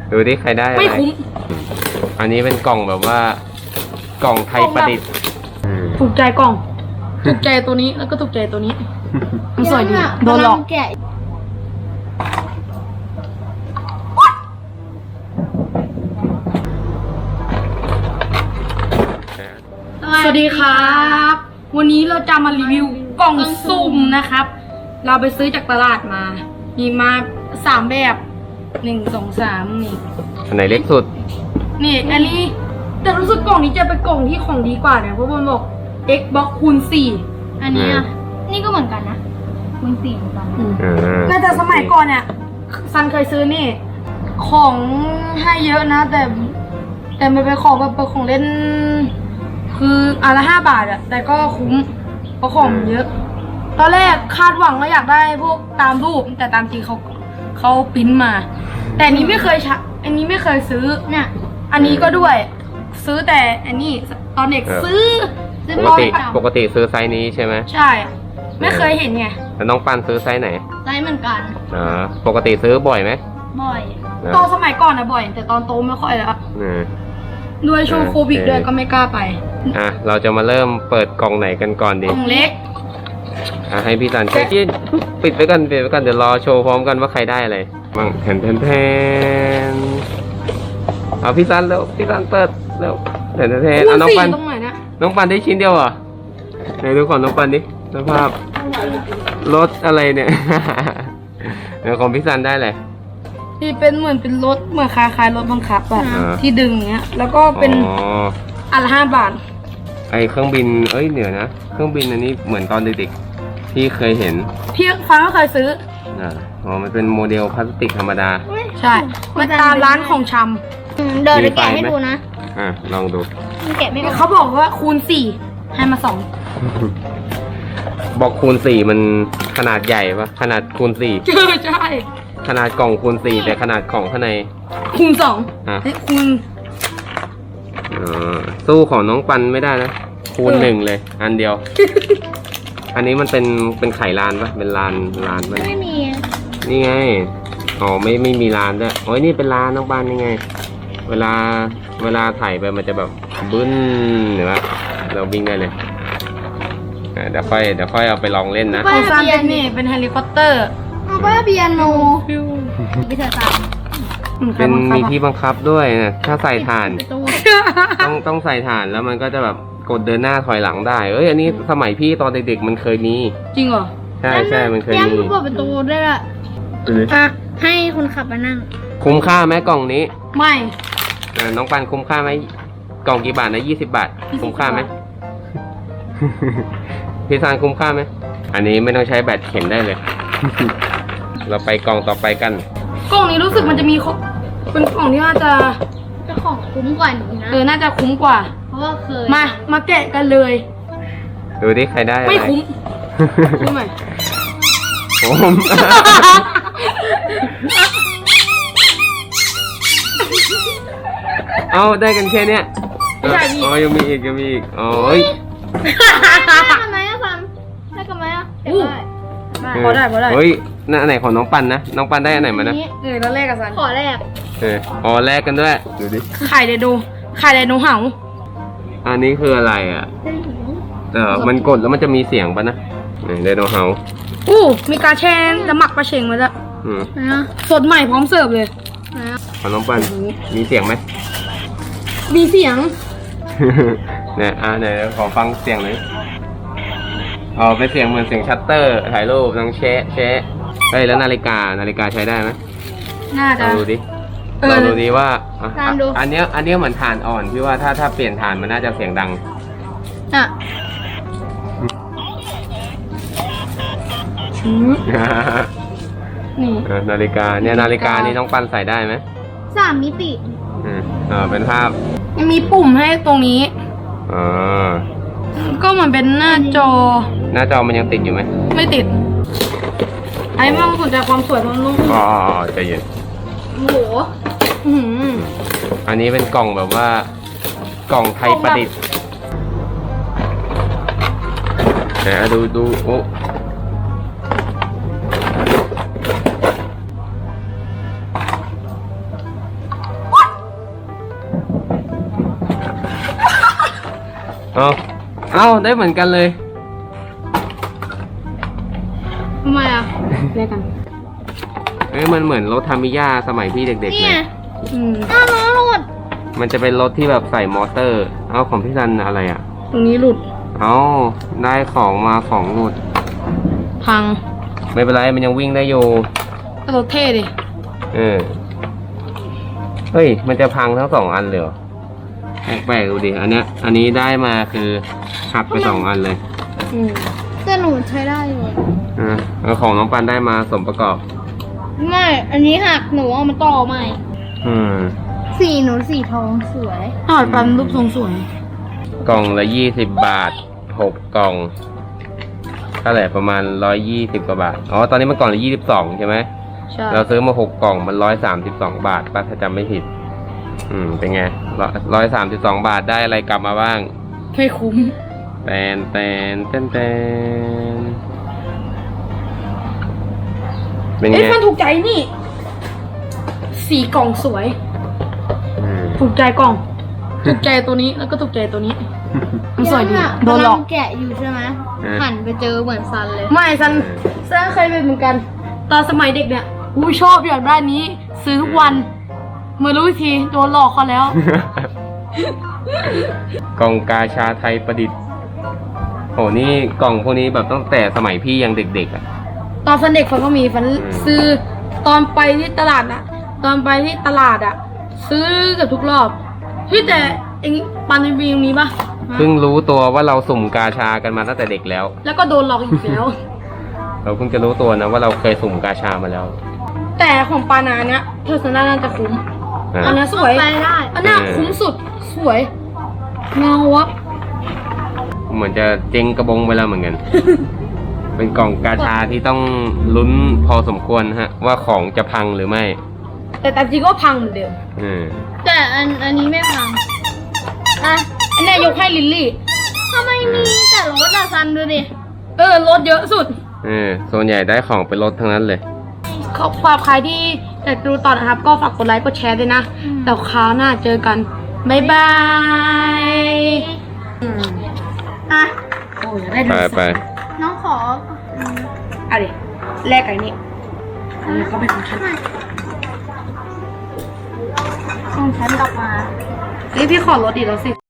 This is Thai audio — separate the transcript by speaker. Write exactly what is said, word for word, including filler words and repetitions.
Speaker 1: ดูดิใครได้อะไรไม่คุ้มอันนี้เป็นกล่องแบบว่ากล่องไทยประดิษฐ์
Speaker 2: ถูกใจกล่องถูกใจตัวนี้แล้วก็ถูกใจตัวนี้มันสวยดีโดนหลอกสวัสดีครับวันนี้เราจะมารีวิวกล่องสุ่มนะครับ เราไปซื้อจากตลาดมามีมาสามแบบหนึ่งสองสามนี่
Speaker 1: อันไหนเล็กสุด
Speaker 2: นี่อันนี้แต่รู้สึกกล่องนี้จะเป็นกล่องที่ของดีกว่าเนี่ยเพราะมันบอก Xbox คูณสี่
Speaker 3: อันนี้อ่ะนี่ก็เหมือนกันนะคูณสี่เหมือนกัน
Speaker 2: น่าจะสมัยก่อนเนี่ยซันเคยซื้อนี่ของให้เยอะนะแต่แต่มันเป็นของแบบเป็นของเล่นคืออันละห้าบาทอะแต่ก็คุ้มเพราะของเยอะตอนแรกคาดหวังว่าอยากได้พวกตามรูปแต่ตามจริงเขาเขาพิมพ์มาแต่อันนี้ไม่เคยใช้อันนี้ไม่เคยซื้อเนี่ยอันนี้ก็ด้วยซื้อแต่อันนี้ตอนเด็กซื้อ
Speaker 1: ปกติปกติซื้อไซส์นี้ใช่ไหม
Speaker 2: ใช่ไม่เคยเห็นไง
Speaker 1: แล้วน้องปันซื้อไซส์ไหน
Speaker 3: ไซส์เหมือนกัน
Speaker 1: อ๋อปกติซื้อบ่อยไหม
Speaker 3: บ่อย
Speaker 2: ตอนสมัยก่อนนะบ่อยแต่ตอนโตไม่ค่อยแล้วด้วยช่วงโควิดด้วยก็ไม่กล้าไป
Speaker 1: อ่ะเราจะมาเริ่มเปิดกล่องไหนกันก่อนดี
Speaker 2: กล่องเล็ก
Speaker 1: อ่ะให้พี่สันเช็คปิดไว้กันปิดไว้กันเดี๋ยวรอโชว์พร้อมกันว่าใครได้อะไรบ้างแทนแทนแทนเอาพี่สันแล้วพี่สันเปิดแล้วแทนแทนแทนเอาน้องปันน้องปันได้ชิ้นเดียวเหรอไหนดูก่อนน้องปันดิสภาพรถอะไรเนี่ยเดี๋ยวของพี่สันได้เลย
Speaker 2: ที่เป็นเหมือนเป็นรถเหมือนคล้ายๆรถบังคับอะที่ดึงเนี้ยแล้วก็เป็นอันละห้าบาท
Speaker 1: ไอเครื่องบินเอ้ยเหนือนะเครื่องบินอันนี้เหมือนตอนเด็กๆที่เคยเห็น
Speaker 2: พี่ฟังก็เคยซื้อ
Speaker 1: อ่าอ๋อมันเป็นโมเดลพลาสติกธรรมดา
Speaker 2: ใช่มันตามร้านของชำ
Speaker 3: เดี๋ยวจะแกะให้ดูนะ
Speaker 1: อ่ะลองดู
Speaker 3: แกะไม่ออก
Speaker 2: เขาบอกว่าคูณสี่ให้มาสอง
Speaker 1: บอกคูณสี่มันขนาดใหญ่ปะขนาดคูณสี่
Speaker 2: ใช่ใช่
Speaker 1: ขนาดกล่องคูณสี่แต่ขนาดกล่องข้างใน
Speaker 2: คูณสอง
Speaker 1: อ่ะ
Speaker 2: คูณ
Speaker 1: อ๋อสู้ของน้องปันไม่ได้นะคูณหนึ่งเลยอันเดียวอันนี้มันเป็นเป็นไข่ลานปะเป็นลานลานปะ
Speaker 3: ไม่มี
Speaker 1: นี่ไงอ๋อไม่ไม่มีลานด้วยโอ้ยนี่เป็นลานน้องปันยังไงเวลาเวลาถ่ายไปมันจะแบบบึ้นหรือว่าเราวิ่งได้เลยเดี๋ยวค่อยเดี๋ยวค่อยเอาไปลองเล่นนะ
Speaker 2: ของซันเป็นนี่เป็นเฮลิคอปเตอร์
Speaker 3: เอาไปเปียโนวิทยาศาสตร์
Speaker 1: เป็นมีที่บังคับด้วยนะถ้าใส่ถ่านต้องต้องใส่ถ่านแล้วมันก็จะแบบกดเดินหน้าถอยหลังได้เอ้ยอันนี้สมัยพี่ตอนเด็กๆมันเคยมี
Speaker 2: จริงเหรอ
Speaker 1: ใช่ใช่มันเคยมี
Speaker 3: ยังเปิดประตูได้ละให้คนขับมานั่ง
Speaker 1: คุ้มค่าไหมกล่องนี้
Speaker 2: ไม่
Speaker 1: น้องปันคุ้มค่าไหมกล่องกี่บาทนะยี่สิบบาทคุ้มค่าไหมพี่ซานคุ้มค่าไหมอันนี้ไม่ต้องใช้แบตเข็มได้เลยเราไปกล่องต่อไปกัน
Speaker 2: กล่องนี้รู้สึกมันจะมีเป็นกล่องที่น่าจะ
Speaker 3: จะของคุ้มกว่านี้นะ
Speaker 2: เออน่าจะคุ้มกว่า
Speaker 3: เพราะว่าเคย
Speaker 2: มามาแกะกันเลย
Speaker 1: ดูดิใครได้
Speaker 2: ไม่คุ้มคุ้มไหม
Speaker 1: ผมเอาได้กันแค่เนี้ย
Speaker 2: ไม่ใช่พี่
Speaker 1: อ๋อยังมีอีกยังมีอีกอ๋อเฮ้ย
Speaker 3: ได้กันไหมอะฟันได้กันไหมอะ
Speaker 2: พอได้พอได้
Speaker 1: เฮ้ยนั่นอันไหนของน้องปันนะน้องปันได้อันไหนมานะ
Speaker 2: เออแล้วแรกกับซัน
Speaker 3: ขอแรก
Speaker 1: เอออ๋อแรกกันด้วยดูดิ
Speaker 2: ไข่ไดโนไข่ไดโนเห่า
Speaker 1: อันนี้คืออะไรอ่ะเออมันกดแล้วมันจะมีเสียงปะนะไดโนเห่า
Speaker 2: อู้มีการแช่จะหมักปลาเชงมาแล้วสดใหม่พร้อมเสิร์ฟเลย
Speaker 1: ของน้องปันมีเสียงไหม
Speaker 2: มีเสียง
Speaker 1: เนี่ยอ่ะเดี๋ยวขอฟังเสียงหน่อยอ๋อเป็นเสียงเหมือนเสียงชัตเตอร์ถ่ายรูปต้องแชะแชะเฮ้ยแล้วนาฬิกานาฬิกาใช้ได้ไหม
Speaker 2: น่าจะ
Speaker 1: ดูดิเราดูดิว่าอันนี้อันนี้เหมือนถ่านอ่อนพี่ว่าถ้าถ้าเปลี่ยนถ่านมันน่าจะเสียงดังอ่ะนี่นาฬิกาเนี่ยนาฬิกานี่น้องปันใส่ได้ไหม
Speaker 3: สามมิติ
Speaker 1: อ่าเป็นภาพ
Speaker 2: มีปุ่มให้ตรงนี้
Speaker 1: อ๋อ
Speaker 2: ก็เหมือนเป็นหน้าจอ
Speaker 1: หน้าจอมันยังติดอยู่ไหม
Speaker 2: ไม่ติดไอ้ไม่ต้องสนใจความสวยมันนุ่ม
Speaker 1: อ๋อใจเย็น
Speaker 2: โอ้โห
Speaker 1: อันนี้เป็นกล่องแบบว่ากล่องไทยประดิษฐ์นะดูดูโอ้เอาเอาได้เหมือนกันเลย
Speaker 3: ทำไมอ่ะ
Speaker 2: แลกกัน
Speaker 1: เอ้ยมันเหมือนรถทามิยาสมัยพี่เด็กๆ
Speaker 3: เนี่
Speaker 1: เลย ย
Speaker 2: อืม
Speaker 3: อ้าวล้อหลุด
Speaker 1: มันจะเป็นรถที่แบบใส่มอเตอร์ เอาของพี่ซันอะไรอ่ะ
Speaker 2: ตรงนี้หลุด
Speaker 1: เอาได้ของมาของหลุด
Speaker 2: พัง
Speaker 1: ไม่เป็นไรมันยังวิ่งได้อยู่
Speaker 2: แต่รถเท่ดิ
Speaker 1: เออ เฮ้ย มันจะพังทั้งสองอันเลยเหรอแปลกๆดูดิ อันเนี้ย อันนี้ได้มาคือหักไปสองอันเลย
Speaker 2: อืม
Speaker 3: แต่หนูใช้ได้อยู่
Speaker 1: อ่ะแล้วของน้องปันได้มาสมประกอบ
Speaker 3: ไม่ อันนี้หักหนูเอามาต่อใหม่
Speaker 1: อืม
Speaker 3: สีหนูสีทองสวย
Speaker 2: ถอดปันรูปทรงสวย
Speaker 1: กล่องละยี่สิบบาท หกกล่องเท่าไหร่ประมาณร้อยยี่สิบกว่าบาท อ๋อ ตอนนี้มันกล่องละยี่สิบสองใช่ไหม
Speaker 2: ใช่
Speaker 1: เราซื้อมาหกกล่องมันร้อยสามสิบสองบาทป้าถ้าจำไม่ผิด อืม เป็นไงร้อยสามสิบสองบาทได้อะไรกลับมาบ้าง
Speaker 2: ไม่คุ้ม
Speaker 1: แตนแตนแตนแตนเป็นไง
Speaker 2: เอ้ยมันถูกใจนี่ สีกล่องสวย
Speaker 1: อืม
Speaker 2: ถูกใจกล่อง ถูกใจตัวนี้แล้วก็ถูกใจตัวนี้ มันสวยดี โดนหลอก
Speaker 3: กำงแกะอยู่ใช่ไหมหันไปเจอเหมือนซันเลย
Speaker 2: ไม่ซันซันเคยเป็นเหมือนกัน ตอนสมัยเด็กเนี่ยอุ้ยชอบอยากได้นี้ ซื้อทุกวันเมื่อรู้อีกทีโดนหลอกเขาแล้ว
Speaker 1: กล่องกาชาไทยประดิษฐ์โหนี่กล่องพวกนี้แบบตั้งแต่สมัยพี่ยังเด็กๆอ่ะ
Speaker 2: ตอนฟันเด็กฟันก็มีฟัน
Speaker 1: อืม
Speaker 2: ซื้อตอนไปที่ตลาดอะตอนไปที่ตลาดอะซื้อเกับทุกรอบพี่แต่เองปันในบีมีปะ
Speaker 1: เพิ่งรู้ตัวว่าเราสุ่มกาชากันมาตั้งแต่เด็กแล้ว
Speaker 2: แล้วก็โดนหลอกอีกแล้ว
Speaker 1: เราเพิ่งจะรู้ตัวนะว่าเราเคยสุ่มกาชามาแล้ว
Speaker 2: แต่ของปานาเนี้ยเทอร์ซนาน่าจะคุ้ม
Speaker 1: อ่ะ
Speaker 2: อันเนี้ยสวย
Speaker 3: ไปได้
Speaker 2: อันเนี้ย
Speaker 1: เออ
Speaker 2: คุ้มสุดสวยเงาวับ
Speaker 1: เหมือนจะเจ๊งกระบงไปแล้วเหมือนกัน เป็นกล่องกาชาที่ต้องลุ้นพอสมควรฮะ ว่าของจะพังหรือไม่
Speaker 2: แต่ตามจริงก็พังเหมือนเดิม
Speaker 1: อืม
Speaker 3: แต่อันอันนี้ไม่พัง
Speaker 2: อ่ะอันเนี้ยยกให้ลิลลี่
Speaker 3: ทำไมมีแต่รถอะซันดูดิ
Speaker 2: เออรถเยอะสุด
Speaker 1: เออส่วนใหญ่ได้ของเป็นรถทั้งนั้นเลย
Speaker 2: ขอฝากใครที่อยากดูต่อนะครับ ก็ฝากกดไลค์กดแชร์ด้วยนะ
Speaker 3: อืม
Speaker 2: แต่คราวหน้าเจอกัน บ๊ายบายอืม
Speaker 3: อ่ะ
Speaker 2: โอ้ยอยากได้
Speaker 1: ไป
Speaker 2: ดู
Speaker 1: ไป
Speaker 3: น้องขอ
Speaker 2: เอาดิแลกไก่นี่อันนี้ก็เป็นของฉัน
Speaker 3: ส่งฉันกลับมา
Speaker 2: นี่พี่ขอรถดิแล้วสิ